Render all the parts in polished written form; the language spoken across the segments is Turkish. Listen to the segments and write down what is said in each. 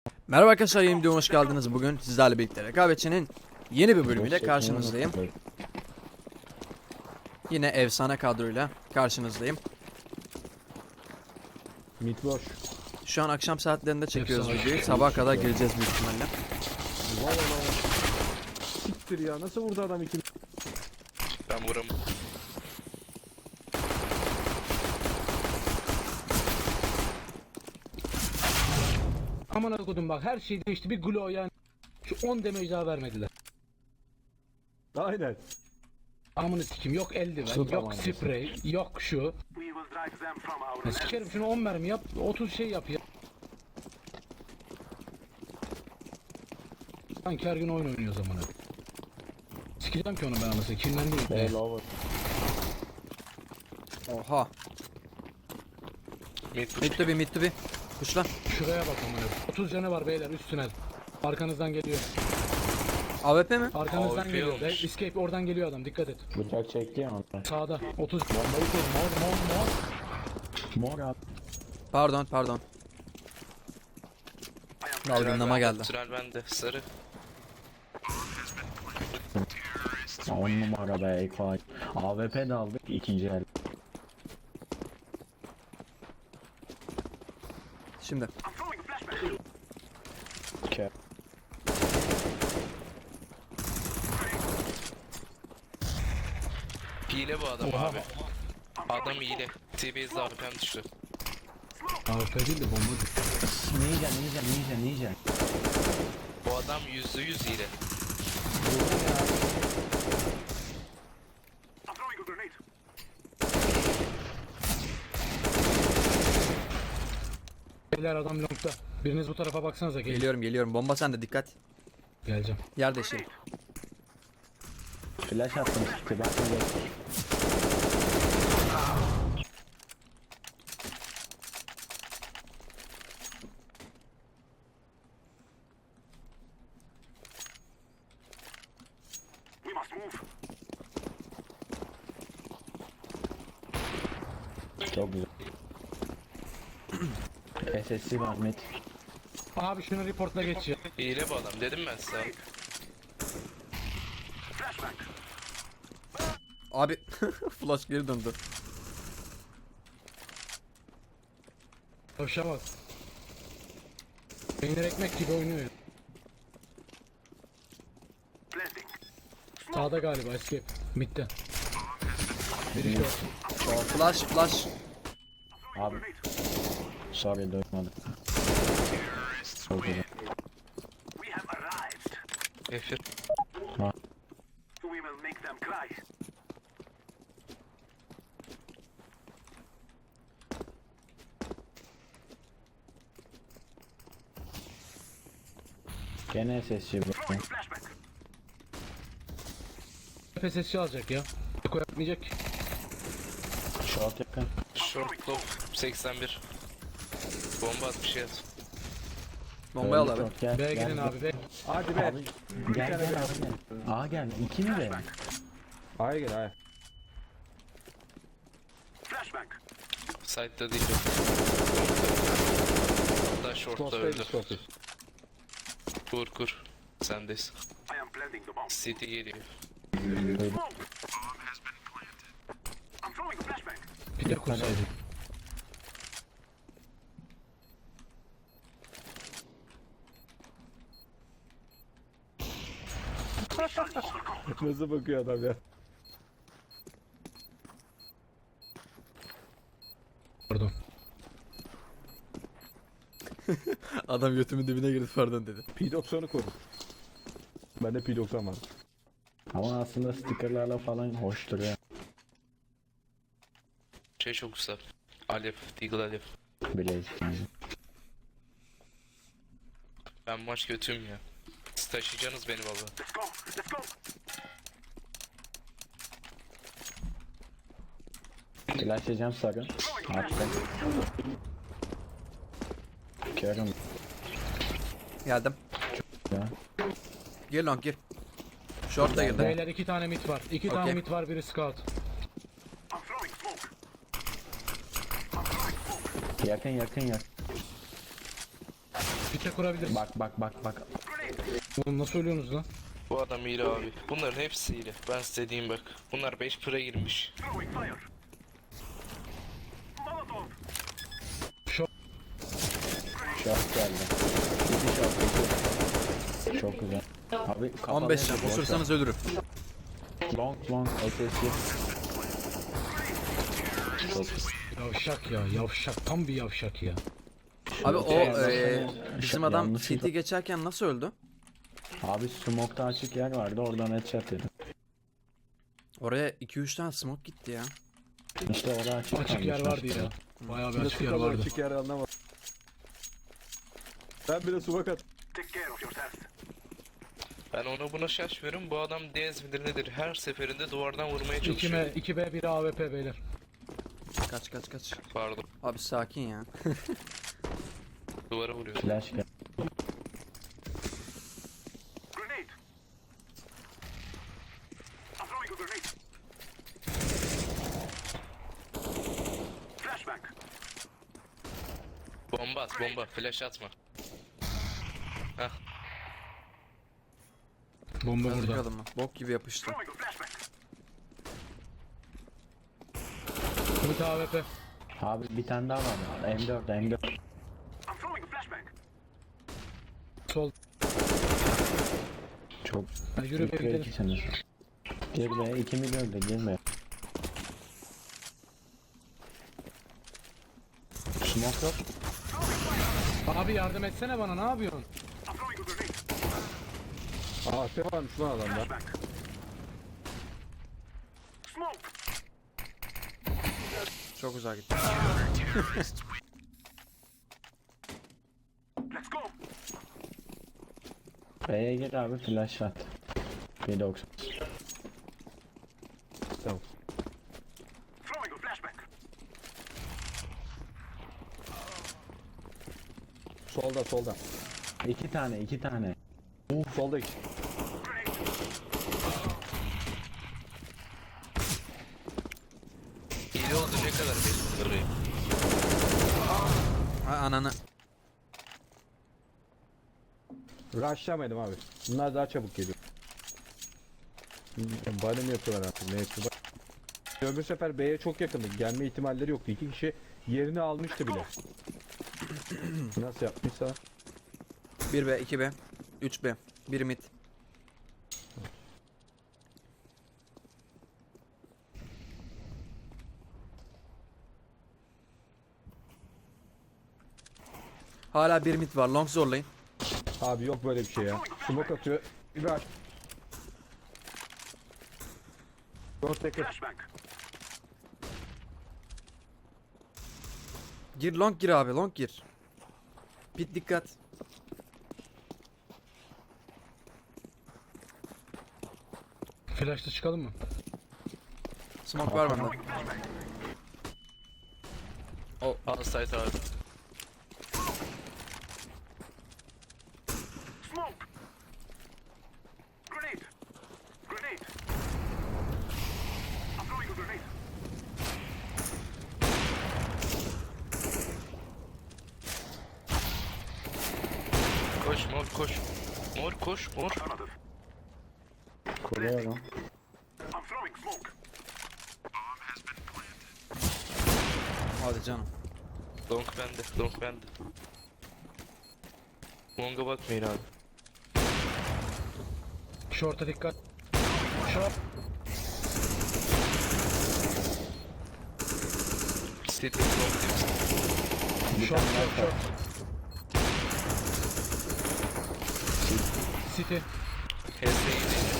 Merhaba arkadaşlar, yeni videoma hoş geldiniz. Bugün sizlerle birlikte rekabetçinin yeni bir bölümüyle karşınızdayım. Yine efsane kadroyla karşınızdayım. Mid boş. Şu an akşam saatlerinde çekiyoruz videoyu. Sabaha kadar geleceğiz büyük ihtimalle. Valla. Siktir ya, nasıl vurdu adam iki? Ben vuram. Aman akıdım bak, her şey değişti, bir glow yani. Şu 10 damage daha vermediler. Aynen. Amını sikim, yok eldiven, Su yok tabancası. sprey, yok şu. Ya sikerim şunu 10 mermi yap, 30 şey yap ya. Sanki her gün oyun oynuyor zamanı. Sikeceğim ki onu ben anasını, kinlendim. Lower. Oha. Mid Mid to be. Kuşla. Şuraya bak amına. 30 canı var beyler, üst tünel. Arkanızdan geliyor. AWP mi? Arkanızdan AWP geliyor. olmuş. Escape oradan geliyor adam, dikkat et. Bıçak çekti ya ondan. Sağda 30. Bombayı kur, mor. Mor abi. Pardon. Dalgınlama geldi. Tünel bende. Sarı. 10 numara be Eko. AWP de aldık ikinci el. Şimdi. Ke. Hile bu adam abi. Adam hile. TB'de AWP'm düştü. AWP değil de bomba düştü. Ninja. Bu adam %100 hile. Beyler adam longda. Biriniz bu tarafa baksanıza, Geliyorum. Bomba sende, dikkat. Geleceğim. Yer değişelim. Flash attım çıktı. Bak böyle. Çok güzel. SSC var mid. Abi şunu reportla geç ya. Hile bu adam. Dedim ben size. Abi flash geri döndü. Hoşa bak. Peynir ekmek gibi oynuyor ya. Sağda galiba escape. Mid'de. Biri short. Flash. Abi. Sorry duymadım. Çok güzel. Efir. Gene SSC bu. PSS'i alacak ya. Eko yapmayacak ki. Short yakın. Short low 81. Bomba at bir şey at. Bombayı al Öldü abi. short, gel, B'ye gel, gidin gel. abi be. Hadi be. Gel abi gel. A gel. 2 mi be? A'ya gel A'ya. Side'da değil. Hatta short'ta öldü. Short'tayız. Kur. Sendeyiz. City geliyor. Bir de kursaydı. Nasıl bakıyor adam ya? Pardon. Adam götümün dibine girdi, pardon dedi. P90'ı koru. Bende P90 var. Ama aslında stickerlarla falan hoş duruyor. Şey çok güzel. Alev. Deagle Alev. Bilezik yani. Ben maç kötüyüm ya. Siz taşıyacaksınız beni valla. Flashlayacağım sarı. Attım. Körüm Geldim. ya. Gir long gir. Short da girdi. Beyler 2 tane mid var. 2 tane Okey. mid var, biri scout. Yakın. Site kurabiliriz. Bak. Oğlum nasıl ölüyorsunuz lan? Bu adam hile abi. Bunların hepsi hile. Ben size diyeyim bak. Bunlar 5 pıra girmiş. Şort geldi. İki şort. Çok güzel. Abi 15 can. Osursanız ölürüm. Long SSG. Çok Yavşak ya, yavşak. Tam bir yavşak ya. Abi o Yanlış- bizim adam yanlışlıkla- CT geçerken nasıl öldü? Abi smoke'ta açık yer vardı, oradan headshot yedim. Oraya 2-3 tane smoke gitti ya. İşte orada açık Açık yer kalmış vardı işte. ya. Bayağı bir Bir de açık yer su vardı. açık yer anlamadım. Ben bir de su at. Ben ona buna şaşmıyorum. Bu adam Dez midir nedir? Her seferinde duvardan vurmaya çalışıyor. 2B, 1 AWP beyler. Kaç. Pardon. Abi sakin ya. Duvara vuruyor. Flash gel. Bomba at bomba. Flash atma. Hah. Bomba Yazık burada. adamı. Bok gibi yapıştı. Mid AWP. Abi bir tane daha var. M4. Sol. Çok. Hadi yürü be gidelim. ikisiniz. Girme, 2 milyon da girme. Smoke yok. Abi yardım etsene bana, ne yapıyorsun? AP varmış lan adamda. Çok uzağa gitti. B'ye gir abi, flash at. 1.90. Tamam. Solda. İki tane. Solda iki. Hile oldu ne kadar belli. Ha, ananı. Rushlamadım abi. Bunlar daha çabuk geliyor. Bana mı yapıyorlar artık? Ne yapıyorlar? Öbür sefer B'ye çok yakındı. Gelme ihtimalleri yoktu. İki kişi yerini almıştı bile. Nasıl yapmışsa? 1B, 2B, 3B, 1 mid. Hala 1 mid var. Long zorlayın. Abi yok böyle bir şey ya. Smoke atıyor. Bir aç. Dört tekrar. Gir long gir abi. Long gir. Pit dikkat. Flash'ta çıkalım mı? Smoke var bende. Outside abi. Koş mor koş. Mor koş mor. Kuruyorum. Hadi canım. Long bende. Long'a bakmayın abi. Short'a dikkat. Short. City long diyorsun. Short. City. HS'yi değil.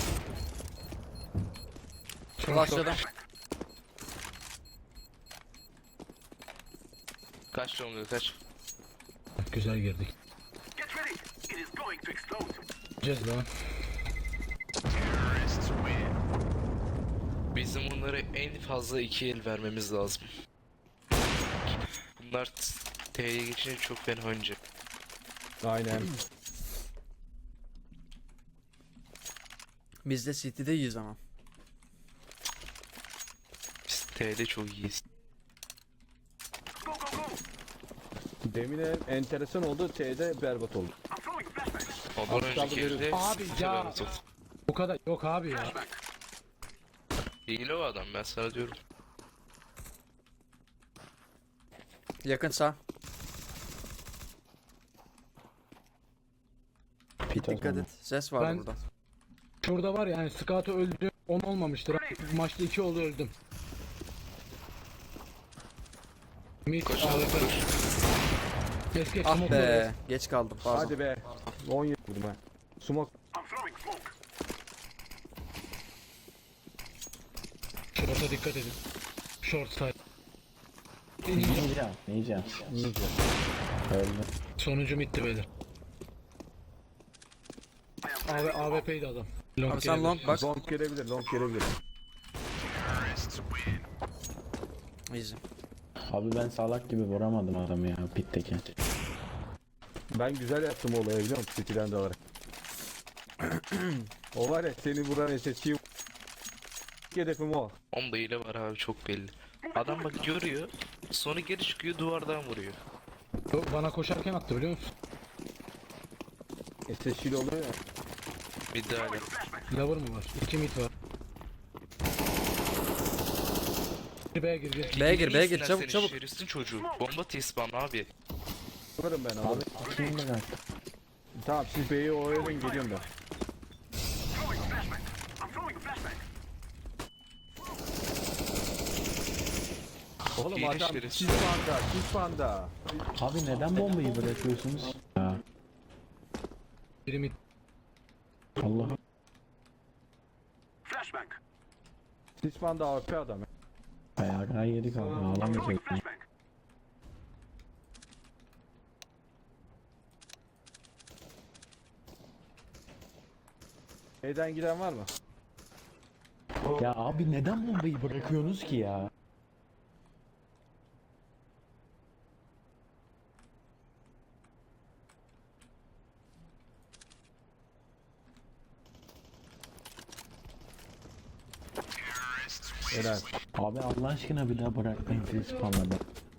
Flash'ladım. Kaç long'a kaç. Güzel girdik. Gideceğiz lan. Bizim bunlara en fazla 2 el vermemiz lazım. Bunlar T'ye geçince çok fena oynayacak. Aynen. Biz de City'deyiz ama. Biz T'de çok iyiyiz. Demin enteresan oldu. T'de berbat oldu. Ondan Az kaldı önceki elde Abi ya. Bu kadar yok abi ya. hile o adam, ben sana diyorum. Yakın sağ. Pit Dikkat et. Ses var Ben- burada. Şurada var ya yani Scout'u öldü. 10 olmamıştır. Maçta 2 oldu öldüm. Mid Koş AWP. abi koş. Keşke Ah smoke be. oraya. Geç kaldım. Pardon. Hadi be. 17 vurdum ha. Smoke. Short'a dikkat edin. Short side. Yiyeceğim. Öldüm. Sonuncu middi beyler. AWP'ydi adam. Long Abi sen gelebilir. long bak. Long gelebilir. Long gelebilir. Easy. Abi ben salak gibi vuramadım adamı ya pitteki. Ben güzel yaptım olayı biliyor musun? City'den de alarak. O var ya seni vuran SSC'yi hedefim o. Onda hile var abi, çok belli. Adam bak görüyor, sonra geri çıkıyor, duvardan vuruyor. Bana koşarken attı biliyor musun? SSC'li oluyor ya. Bir daha hala. Lover mı var? 2 mid var. Bir B'ye gir gir. B'ye gir, B'ye gir. İyisin Çabuk sen, çabuk. şerefsizin çocuğu. Bomba T-spawn abi. Varım ben abi. Abi kim bırak? Tamam siz B'yi oyalayın geliyorum ben. Oğlum Hile adam şerefsiz. çiz panda. Abi neden bombayı bırakıyorsunuz? Ya Biri mid. Allah. Çiz panda AWP adam. ya. Ayağa yedik abi ağlamayacak. B'den giden var mı? Ya abi neden bombayı bırakıyorsunuz ki ya? Helal. Abi Allah aşkına bir daha bırakmayın siz spamladı.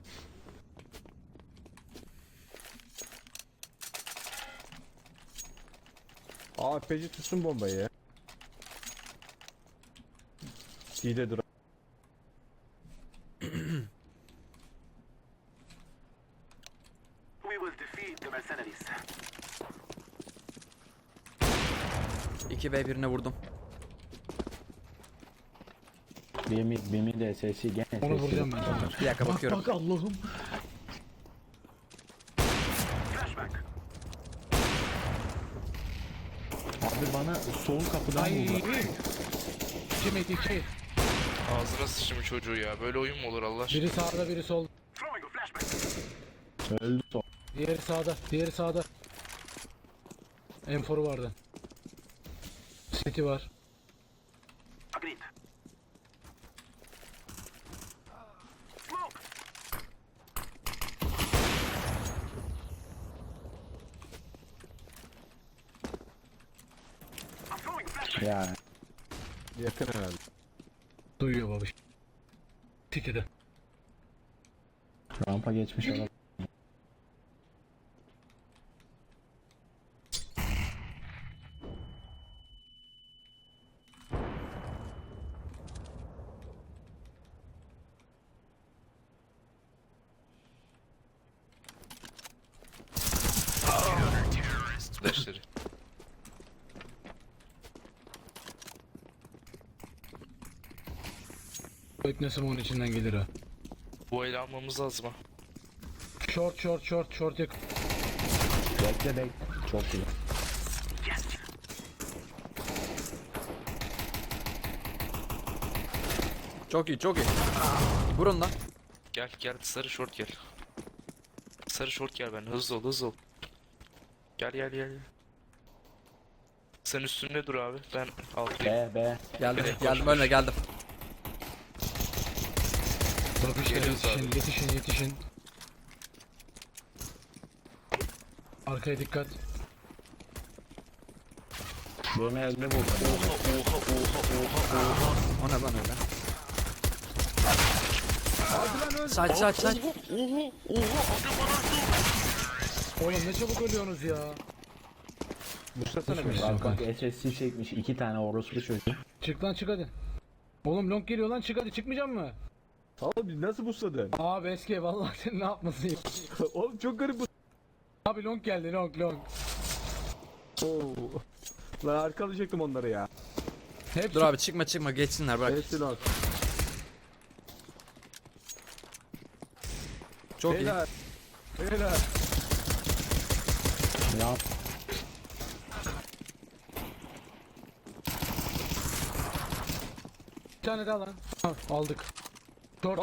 AWP'ci tutsun bombayı ya. İyi de dur. We will defeat the mercenaries. 2B birine vurdum. Bir mid de sesi gene Onu sesi. vuracağım ben. Bir dakika bakıyorum. Bak Allah'ım. Flashback. Abi bana sol kapıdan Ay. vurdu. 2 mid 2. Ağzına sıçmış çocuğu ya. Böyle oyun mu olur Allah aşkına? Biri sağda biri sol. Throwing a flashback. Öldü sol. Diğeri sağda. Diğeri sağda. M4'u vardı. City var. Agreed. Smoke. I'm throwing a flashback. Ya Yakın herhalde. Duyuyor babiş. City'de. rampa geçmiş adam. Deşleri. Beklesim onun içinden gelir ha. Bu el almamız lazım ha. Short yakın. Bekle. Çok iyi. Çok iyi çok iyi. Vurun lan. Gel gel, sarı short gel. Sarı short gel, ben hızlı ol. Gel. Sen üstünde dur abi, ben alttayım. B. Geldim Evet, geldim koş, ölme geldim. Babişler Geliyoruz abi. yetişin. Arkaya dikkat. Birine elde vurdu. Oha. O ne lan öyle? Side. Oğlum ne çabuk ölüyorsunuz ya. Buslasana beni. Bak bak SSC çekmiş 2 tane orospu çocuğu. Çık lan çık hadi. Oğlum long geliyor lan çık hadi çıkmayacak mı? Abi nasıl busladın? Abi eski vallahi sen ne yapmasın ya. Oğlum çok garip bu. Abi long geldi long. Oo. Lan arkalayacaktım onları ya. Hep Dur abi çıkma geçsinler bırak. Hepsi lan. Çok iyi. Beyler. Beyler. Ya bir tane daha lan. Ha, aldık. Short.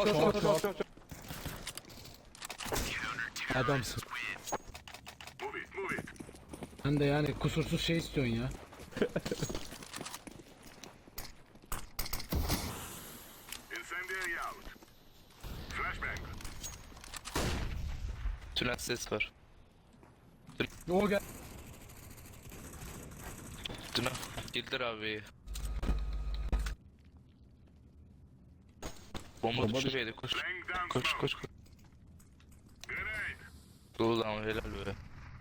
Adamsın. Move it. Sen de yani kusursuz şey istiyorsun ya. Incendiary out. Flashbang. Tünel ses var. O gel. Tünel. Girdiler abi. Bomba düştü beyler koş. Laying down Koş smoke. koş. Grenade. Ulan helal be.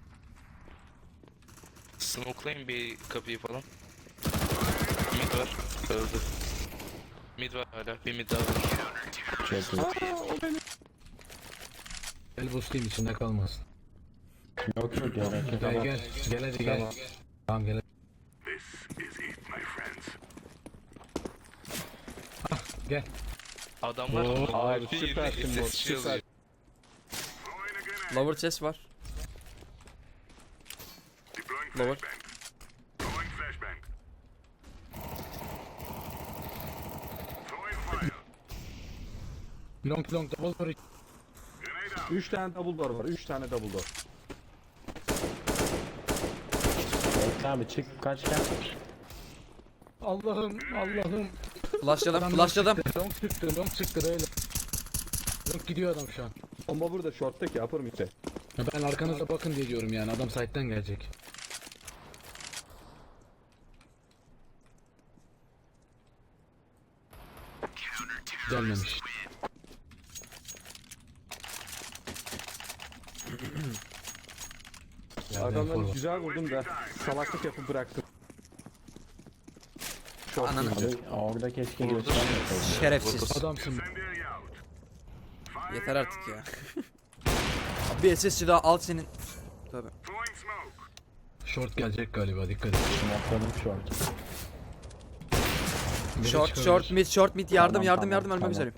Smokelayın bir kapıyı falan. Mid var. Öldü. Mid var hala. Bir mid daha var. çok iyi. Gel boostayım içinde kalmasın. Yok yok gerek yok. Gel hadi gel. Tamam gel. This is it, my friends. Gel. Adam var. Abi Bir süpersin ses bu. şey Süper. yazıyor. Throwing a grenade. Lower chest var. Deploying Lower. flashbang. Throwing flashbang. Throwing fire. Long double door. Grenade out. 3 tane double door var. 3 tane double door. Bekle abi çık kaç gel. Allah'ım. Flashlayalım. Adam long çıktı böyle. Long gidiyor adam şu an. Bomba burada short'taki upper mid'de. Ya ben arkanıza bakın diye diyorum yani adam side'den gelecek. Gelmemiş. Adamları forward. güzel vurdum da salaklık yapıp bıraktım. Short Ananı- mid'de. Abi orada keşke göstermeseydin. Şerefsiz. Adamsın. Incendiary out. Fire. Yeter artık ya. Bir SSC daha al senin. Tabii. Throwing smoke. Short gelecek galiba dikkat et. Smokladım short. Biri Short çıkabilir. short mid yardım Tamam, yardım tamam, ölmek tamam. üzereyim.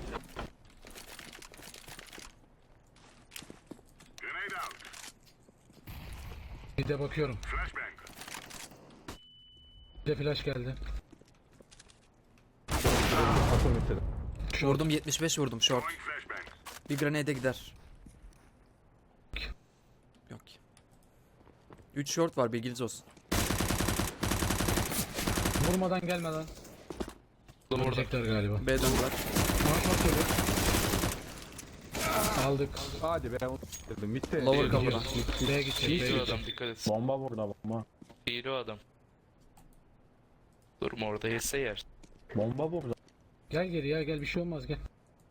Grenade out. Bir de bakıyorum. Flashbang. Bir de flash geldi. Upper mid'de. Vurdum 75 vurdum short. Throwing flashbang. Bir grenade gider. Yok. 3 short var bilginiz olsun. Vurmadan gelme lan. Oğlum orada. Vuracaklar galiba. B döndüler. Short geliyor. Aldık. Hadi be onu dedim. Mid'de. Lower kapıda. B'ye gidecek. Hile B'ye o adam gidecek. dikkat et. Bomba burada bomba. Hile o adam. Durma orada yese yer. Bomba burada. Gel geri ya gel bir şey olmaz gel.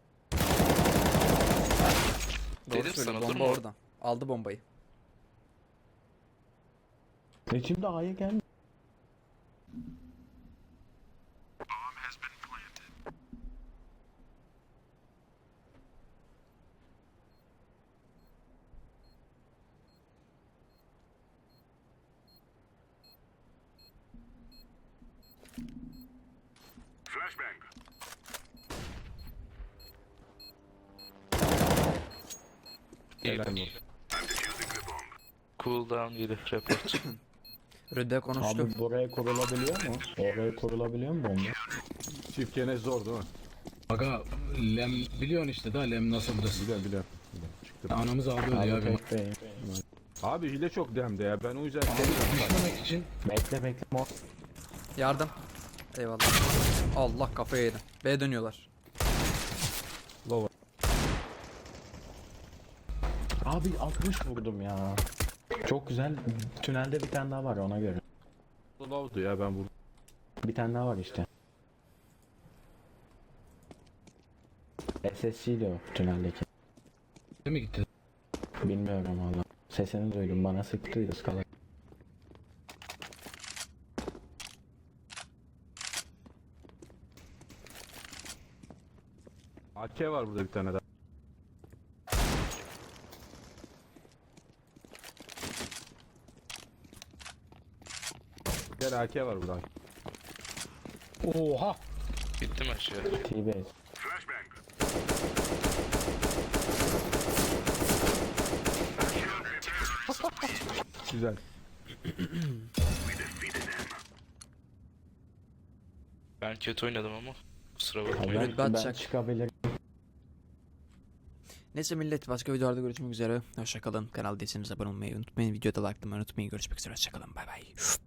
Doğru Dedim söylüyor sana, bomba durma. oradan. Aldı bombayı. Şimdi A'ya gel. Flashbang. Helal Hile. olsun. I'm defusing the bomb. Cooldown gelir report. Röde konuştu. Abi buraya kurulabiliyor mu? Oraya kurulabiliyor mu bomba? Çift gene zor değil mi? Aga lem biliyorsun işte da lem nasıl burası. Biliyorum. Çıktı. Anamız ağlıyordu Abi ya benim. tek bey. Abi hile çok demde ya. Ben o yüzden Düşmemek için Bekle. Yardım. Eyvallah. Allah kafaya yedim. B dönüyorlar. lower. Abi 60 vurdum ya. Çok güzel. Tünelde bir tane daha var ona göre. Lower'du ya ben vurdum. Bir tane daha var işte. SSC'ydi o tüneldeki. Değil mi gitti? Bilmiyorum valla. Sesini duydum, bana sıktı ıskala. AK var burada bir tane daha. Gel AK var burada. Oha! Gittim aşağı. T-Base. Flashbang. Güzel. Ben kötü oynadım ama. Kusura Ha, bakmayın. Evet, ben batacak. çıkabilirim. Neyse millet, başka videolarda görüşmek üzere. Hoşçakalın. Kanal değilseniz abone olmayı unutmayın. Videoda like'lamayı unutmayın. Görüşmek üzere. Hoşçakalın. Bay bay.